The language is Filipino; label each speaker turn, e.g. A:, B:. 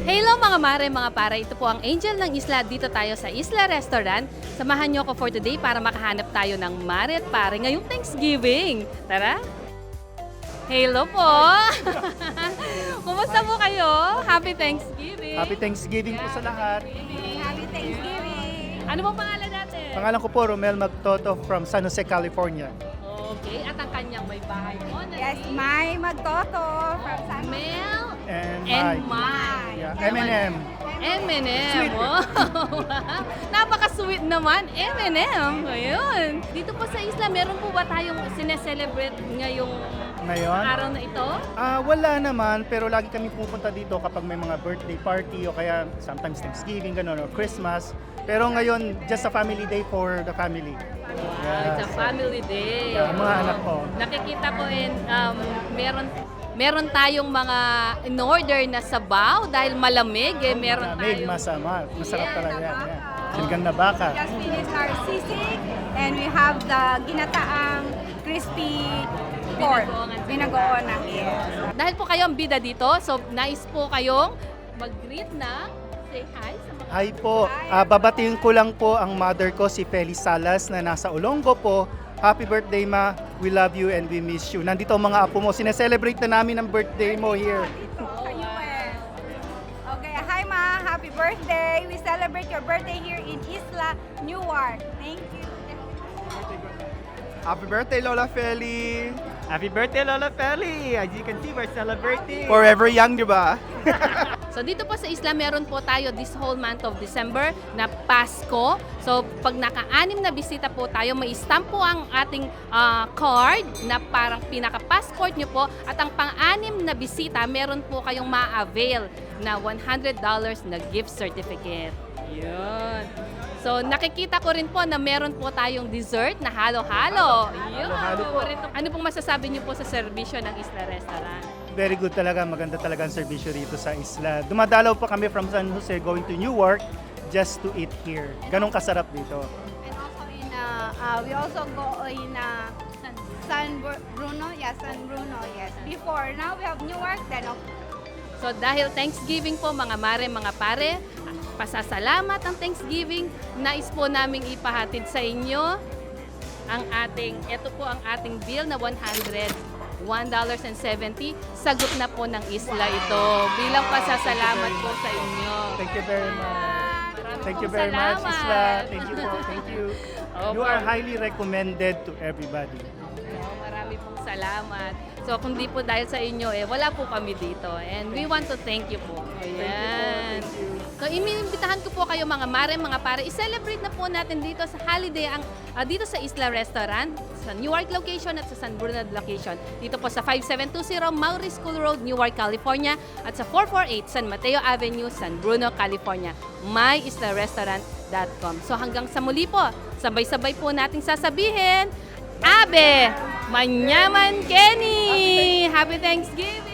A: Hello mga mare, mga para. Ito po ang Angel ng Isla. Dito tayo sa Isla Restaurant. Samahan niyo ako for today para makahanap tayo ng mare at pare ngayong Thanksgiving. Tara! Hello po! Kumusta po kayo? Happy Thanksgiving!
B: Happy Thanksgiving po sa lahat.
C: Happy Thanksgiving!
A: Ano pong pangalan natin?
B: Pangalan ko po Romel Magtoto from San Jose, California.
A: Okay, at ang kanyang may bahay mo na
C: Yes, May Magtoto from San
A: Mel
B: And
A: Mai.
B: Yeah, M&M.
A: M&M.
B: Sweet.
A: Wow. Napaka-sweet naman. M&M. Ayun. Dito po sa isla, meron po ba tayong sineselebrate ngayong
B: Ngayon?
A: araw na ito?
B: Wala naman, pero lagi kami pupunta dito kapag may mga birthday party o kaya sometimes Thanksgiving, ganun, or Christmas. Pero ngayon, just a family day for the family.
A: It's a family day.
B: Yeah, mga anak ko.
A: Nakikita ko meron tayong mga in order na sabaw dahil malamig. Meron
B: Malamig,
A: tayong
B: masarap talaga yan.
C: baka.
B: Yeah. Sinigang na baka.
C: Just finished our sisig and we have the ginataang crispy pork. Binagoon na. Yes.
A: Dahil po kayo ang bida dito, so nais po kayong mag-greet na say hi sa mga
B: Hi po. Babatiin ko lang po ang mother ko, si Feli Salas, na nasa Olongo po. Happy birthday, Ma. We love you and we miss you. Nandito ang mga apo mo. Sineselebrate na namin ang birthday mo here.
C: Dito sa US. Okay, hi Ma. Happy birthday. We celebrate your birthday here in Isla Newark. Thank you.
D: Happy birthday, Lola Feli!
E: Happy birthday, Lola Feli! As you can see, we're celebrating.
D: Forever young, di ba?
A: So dito po sa isla, meron po tayo this whole month of December na Pasko. So pag naka-anim na bisita po tayo, may stamp po ang ating card na parang pinaka-passport nyo po. At ang pang-anim na bisita, meron po kayong ma-avail na $100 na gift certificate. Yun. So nakikita ko rin po na meron po tayong dessert na halo-halo. Yun.
B: Halo-halo po.
A: Ano pong masasabi niyo po sa serbisyo ng Isla Restaurant?
B: Very good talaga, maganda talaga ang servisyo dito sa isla. Dumadalaw pa kami from San Jose going to Newark just to eat here. Ganong kasarap dito.
C: And also we also go in San Bruno. Yes, San Bruno. Yes. Before, now we have Newark. Then
A: So dahil Thanksgiving po mga mare, mga pare, pasasalamat ang Thanksgiving, nais po naming ipahatid sa inyo ang ito po ang ating bill na $101.70. Sagot na po ng isla ito. Bilang pasasalamat po sa inyo.
B: Thank you very much.
A: Maraming
B: Thank you
A: pong
B: very much,
A: salamat.
B: Isla. Thank you po. Thank you. You
A: Opo.
B: are highly recommended to everybody.
A: Marami pong salamat. So kung di po dahil sa inyo, wala po kami dito. And we want to thank you po. Ayan. So imiimbitahan ko po kayo mga mare, mga pare, i-celebrate na po natin dito sa holiday dito sa Isla Restaurant, sa Newark location at sa San Bruno location. Dito po sa 5720 Maury School Road, Newark, California at sa 448 San Mateo Avenue, San Bruno, California. myislarestaurant.com. So hanggang sa muli po, sabay-sabay po nating sasabihin, Abe! Manyaman Kenny! Happy Thanksgiving!